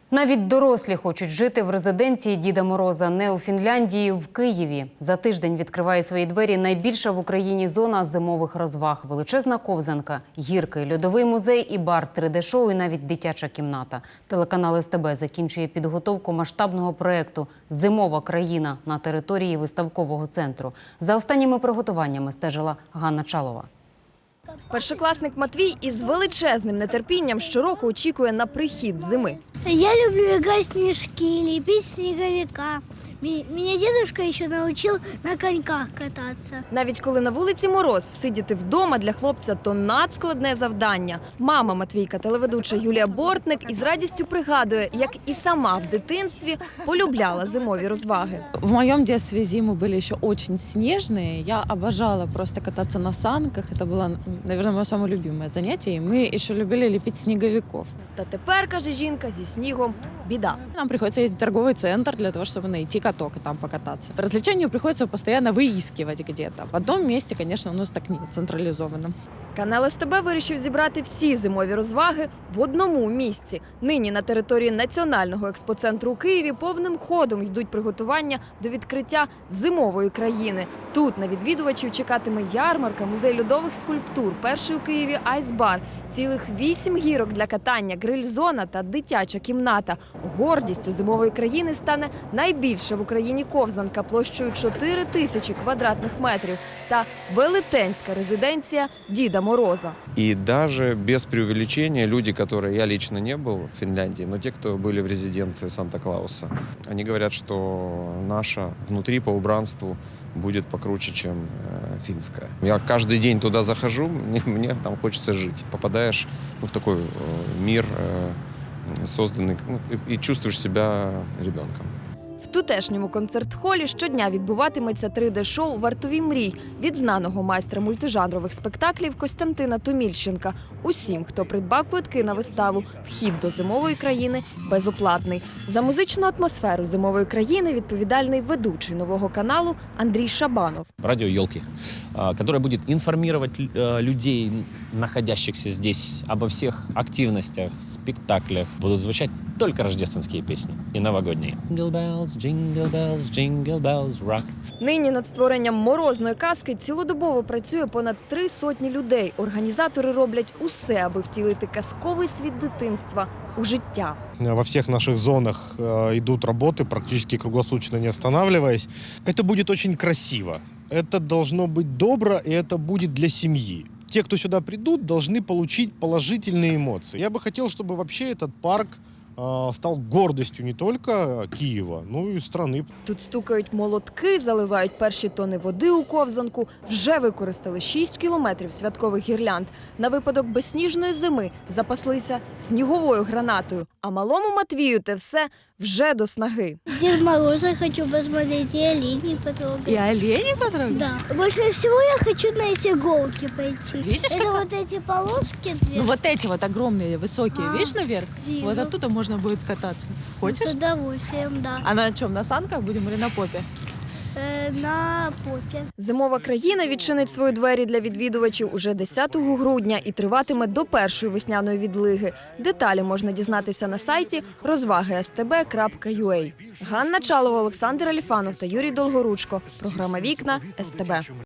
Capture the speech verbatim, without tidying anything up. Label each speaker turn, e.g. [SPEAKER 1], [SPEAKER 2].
[SPEAKER 1] Навіть дорослі хочуть жити в резиденції Діда Мороза. Не у Фінляндії, в Києві. За тиждень відкриває свої двері найбільша в Україні зона зимових розваг. Величезна ковзанка, гірки, льодовий музей і бар, три де шоу і навіть дитяча кімната. Телеканал ес те бе закінчує підготовку масштабного проєкту «Зимова країна» на території виставкового центру. За останніми приготуваннями стежила Ганна Чалова.
[SPEAKER 2] Першокласник Матвій із величезним нетерпінням щороку очікує на прихід зими.
[SPEAKER 3] Я люблю играть в снежки, лепить снеговика. Меня дедушка еще научил на коньках кататься.
[SPEAKER 2] Навіть коли на вулиці мороз, всидіти вдома для хлопця – то надскладне завдання. Мама Матвійка, телеведуча Юлія Бортник, із радістю пригадує, як і сама в дитинстві полюбляла зимові розваги.
[SPEAKER 4] В моем детстве зимы были еще очень снежные. Я обожала просто кататься на санках. Это было, наверное, мое самое любимое занятие. И мы еще любили лепить снеговиков.
[SPEAKER 2] Та тепер, каже жінка, зі снігом біда.
[SPEAKER 4] Нам приходится ездить в торговый центр для того, чтобы найти каток и там покататься. Развлечению приходится постоянно выискивать где-то. В одном месте, конечно, у нас так нет, централизованно.
[SPEAKER 2] Канал ес те бе вирішив зібрати всі зимові розваги в одному місці. Нині на території Національного експоцентру у Києві повним ходом йдуть приготування до відкриття зимової країни. Тут на відвідувачів чекатиме ярмарка, музей льодових скульптур, перший у Києві айсбар, цілих вісім гірок для катання, гриль-зона та дитяча кімната. Гордістю зимової країни стане найбільша в Україні ковзанка площею чотири тисячі квадратних метрів та велетенська резиденція Діда Мороза.
[SPEAKER 5] И даже без преувеличения люди, которые, я лично не был в Финляндии, но те, кто были в резиденции Санта-Клауса, они говорят, что наша внутри по убранству будет покруче, чем э, финская. Я каждый день туда захожу, мне, мне там хочется жить. Попадаешь ну, в такой э, мир, э, созданный, ну, и, и чувствуешь себя ребенком.
[SPEAKER 2] В тутешньому концерт-холі щодня відбуватиметься три де шоу «Вартові мрій» від знаного майстра мультижанрових спектаклів Костянтина Томільченка. Усім, хто придбав квитки на виставу, вхід до зимової країни безоплатний. За музичну атмосферу зимової країни відповідальний ведучий нового каналу Андрій Шабанов.
[SPEAKER 6] Радио «Елки», которое будет информировать людей, находящихся здесь, обо всех активностях, спектаклях. Будут звучать только рождественские песни и новогодние. Jingle bells, jingle bells, jingle bells rock.
[SPEAKER 2] Нині над створенням морозної казки цілодобово працює понад три сотні людей. Організатори роблять усе, аби втілити казковий світ дитинства у життя.
[SPEAKER 7] Во всех наших зонах э, идут работы, практически круглосуточно не останавливаясь. Это будет очень красиво. Это должно быть добро, и это будет для семьи. Те, кто сюда придут, должны получить положительные эмоции. Я бы хотел, чтобы вообще этот парк э, стал гордостью не только Киева, но и страны.
[SPEAKER 2] Тут стукають молотки, заливають перші тони води у ковзанку. Вже використали шість кілометрів святкових гірлянд. На випадок безсніжної зими запаслися сніговою гранатою. А малому Матвію те все вже до снаги.
[SPEAKER 3] Дед Мороза хочу посмотреть и оленей потрогать.
[SPEAKER 4] И олени потрогать?
[SPEAKER 3] Да. Больше всего я хочу на эти иголки пойти.
[SPEAKER 4] Видишь,
[SPEAKER 3] Это
[SPEAKER 4] как-
[SPEAKER 3] вот эти полоски две.
[SPEAKER 4] Ну вот эти вот огромные, высокие,
[SPEAKER 3] А,
[SPEAKER 4] видишь наверх?
[SPEAKER 3] вижу.
[SPEAKER 4] Вот оттуда можно будет кататься.
[SPEAKER 3] С
[SPEAKER 4] Хочешь?
[SPEAKER 3] удовольствием, да.
[SPEAKER 4] А на чем, на санках будем или на попе?
[SPEAKER 3] Э, на попе.
[SPEAKER 2] Зимова країна відчинить свої двері для відвідувачів уже десятого грудня і триватиме до першої весняної відлиги. Деталі можна дізнатися на сайті розваги ес те бе крапка ю а. Ганна Чалова, Олександр Аліфанов та Юрій Долгоручко. Програма «Вікна» ес те бе.